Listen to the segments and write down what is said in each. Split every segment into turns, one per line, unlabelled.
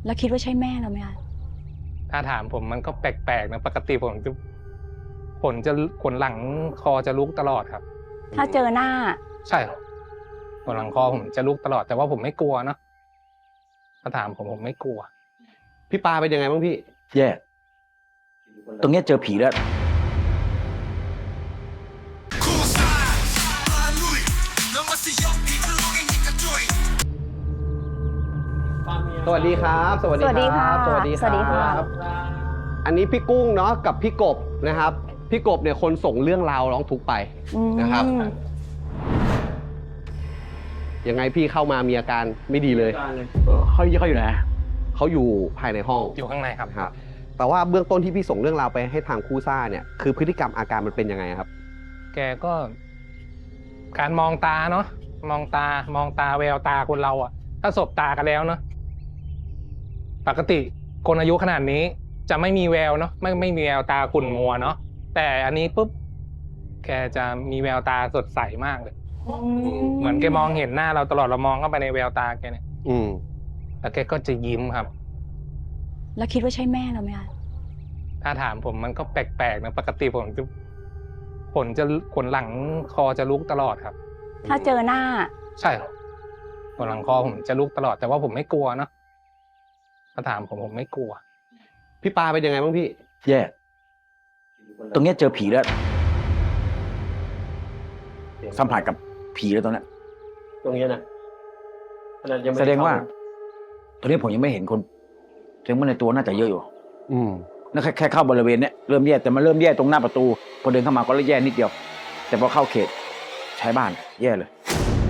แล้วคิดว่าใช่แม่เราไหมคะ
ถ้าถามผมมันก็แปลกๆนะปกติผมจะขนหลังคอจะลุกตลอดครับ
ถ้าเจอหน้า
ใช่ครับขนหลังคอผมจะลุกตลอดแต่ว่าผมไม่กลัวเนาะถ้าถามผมไม่กลัว
พี่ปาเป็นยังไงบ้างพี่
แย่ตรงเนี้ยเจอผีแล้ว
สวัสดีครับสวัสดีครับ
สวัสดีครับ
อันนี้พี่กุ้งเนาะกับพี่กบนะครับพี่กบเนี่ยคนส่งเรื่องราวร้องทุกข์ไปนะครับยังไงพี่เข้ามามีอาการไม่ดีเลย
เขาอยู่ไหน
เขาอยู่ภายในห้อง
อยู่ข้างในครับ
แต่ว่าเบื้องต้นที่พี่ส่งเรื่องราวไปให้ทางคู่ซ่าเนี่ยคือพฤติกรรมอาการมันเป็นยังไงครับ
แกก็การมองตาเนาะมองตาแววตาคนเราอะถ้าสบตากันแล้วเนาะปกติคนอายุขนาดนี้จะไม่มีแววเนาะไม่มีแววตาขุ่นมัวเนาะแต่อันนี้ปุ๊บแกจะมีแววตาสดใสมากเลยเหมือนแกมองเห็นหน้าเราตลอดเรามองเข้าไปในแววตาแกเนี่ยแล้วแกก็จะยิ้มครับ
แล้วคิดว่าใช่แม่เราไหมคะ
ถ้าถามผมมันก็แปลกๆนะปกติผมจะขนหลังคอจะลุกตลอดครับ
ถ้าเจอหน้า
ใช่ครับขนหลังคอผมจะลุกตลอดแต่ว่าผมไม่กลัวเนาะถ้าถามผมไม่กลัว
พี่ปาเป็นยังไงบ้างพี่
แย่ตรงเนี้ยเจอผีแล้วสัมผัสกับผีแล้วตรงนี้
นะ
แสดงว่าตอนนี้ผมยังไม่เห็นคนแสดงว่าในตัวน่าจะเยอะอยู่นั่นแค่เข้าบริเวณเนี้ยเริ่มแย่แต่มันเริ่มแย่ตรงหน้าประตูพอเดินเข้ามาก็เริ่มแย่นิดเดียวแต่พอเข้าเขตใช้บ้านแย่เลย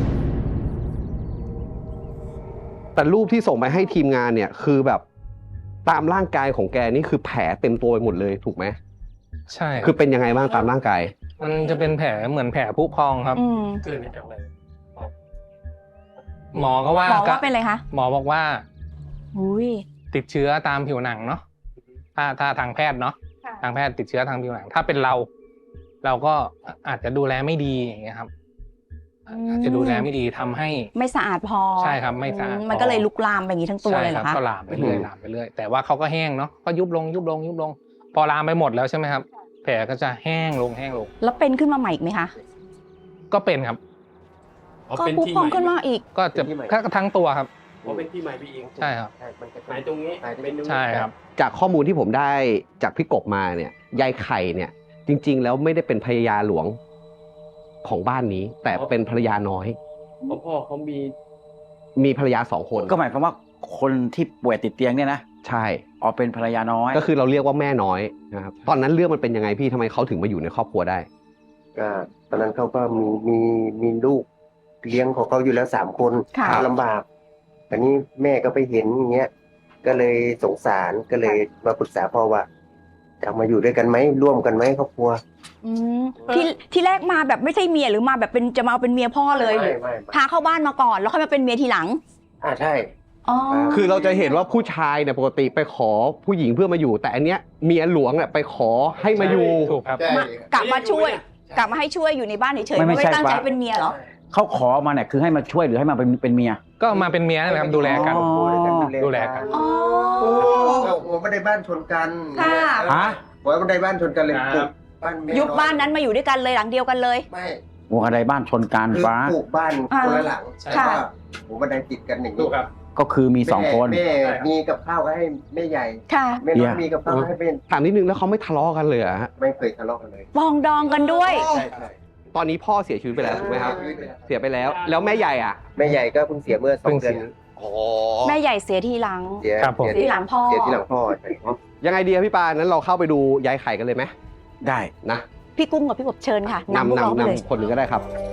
แต่รูปที่ส่งไปให้ทีมงานเนี่ยคือแบบตามร่างกายของแกนี่คือแผลเต็มตัวไปหมดเลยถูกไหม
ใช่
คือเป็นยังไงบ้างตามร่างกาย
มันจะเป็นแผลเหมือนแผลผุพองครับเกิดมาจากอะไรหมอก็ว่า
เป็นอะไรคะ
หมอบอกว่าติดเชื้อตามผิวหนังเนาะถ้าทางแพทย์เนาะทางแพทย์ติดเชื้อทางผิวหนังถ้าเป็นเราก็อาจจะดูแลไม่ดีอย่างเงี้ยครับอาจจะดูแลไม่ดีทำให้
ไม่สะอาดพอ
ใช่ครับไม่สะอาด
มันก็เลยลุกลามไปอย่างนี้ทั้งตัวเลยเหรอคะ
ก็ลามไปเรื่อยแต่ว่าเขาก็แห้งเนาะก็ยุบลงพอลามไปหมดแล้วใช่ไหมครับแผลก็จะแห้งลง
แล้วเป็นขึ้นมาใหม่อีกไหมคะ
ก็เป็นครับ
ก็พุพองขึ้นมาอีก
ก็จะทั้งตัวครับ
เป็นที่ใหม่พี่เอง
ใช่ครับ
หมายตรงนี้
ใช่ครับ
จากข้อมูลที่ผมได้จากพี่กบมาเนี่ยยายไข่เนี่ยจริงๆแล้วไม่ได้เป็นภรรยาหลวงของบ้านนี้แต่เป็นภรรยาน้อย
พ่อเขา
มีภรรยา2 คน
ก็หมายความว่าคนที่ป่วยติดเตียงเนี่ยนะ
ใช่
เป็นภรรยาน้อย
ก็คือเราเรียกว่าแม่น้อยนะครับตอนนั้นเรื่องมันเป็นยังไงพี่ทำไมเขาถึงมาอยู่ในครอบครัวได้
ก็ตอนนั้นเขาก็มีลูกเลี้ยงของเขาอยู่แล้ว3 คนลำบากอันนี้แม่ก็ไปเห็นอย่างเงี้ยก็เลยสงสารก็เลยมาปรึกษาพ่อว่าจะมาอยู่ด้วยกันไหมร่วมกันไหมครอบครัว
ที่แรกมาแบบไม่ใช่เมียหรือมาแบบจะมาเป็นเมียพ่อเลยพาเข้าบ้านมาก่อนแล้วค่อยมาเป็นเมียทีหลัง
ใช่
คือเราจะเห็นว่าผู้ชายเนี่ยปกติไปขอผู้หญิงเพื่อมาอยู่แต่อันเนี้ยเมียหลวงเนี่ยไปขอให้มาอยู่
ถูกครับ
กลับมาช่วยกลับมาให้ช่วยอยู่ในบ้านเฉยๆไม่ตั้งใจเป็นเมียเหรอ
เขาขอมาเนี่ยคือให้มาช่วยหรือให้มาเป็นเมีย
ก็มาเป็นเมียนะครับดูแลกัน
ผมไม่ได้บ้านชนกันผมไม่ได้บ้านชนกันเลย
ยุบบ้านนั้นมาอยู่ด้วยกันเลยหลังเดียวกันเลย
ไม่
หัวกระไดบ้านชนกันฟ้า
ปลูกบ้านคนละหลังใช่ว่าหัวกระไดติดกันอย่างนี้
ก็คือมี2 คน
แม่มีกับข้าวให้แม่ใหญ่แม่น้อยมีกับข้าวให้เป็น
ถามนิดนึงแล้วเขาไม่ทะเลาะกันเลยอะฮะ
ไม่เคยทะเลาะกันเลย
ปองดองกันด้วย
ตอนนี้พ่อเสียชีวิตไปแล้วถูกไหมครับเสียไปแล้วแม่ใหญ่อ่ะ
แม่ใหญ่ก็เพิ่งเสียเมื่อ2 เดือน
แม่ใหญ่เสียทีหลัง
เสีย
ทีหลังพ่อ
ยังไงดีครับพี่ปานั้นเราเข้าไปดูยายไข่กันเลยไหม
ได้
นะ
พี่กุ้งกับพี่กบเชิญค่ะ
นำคนหนึ่งก็ได้ครับ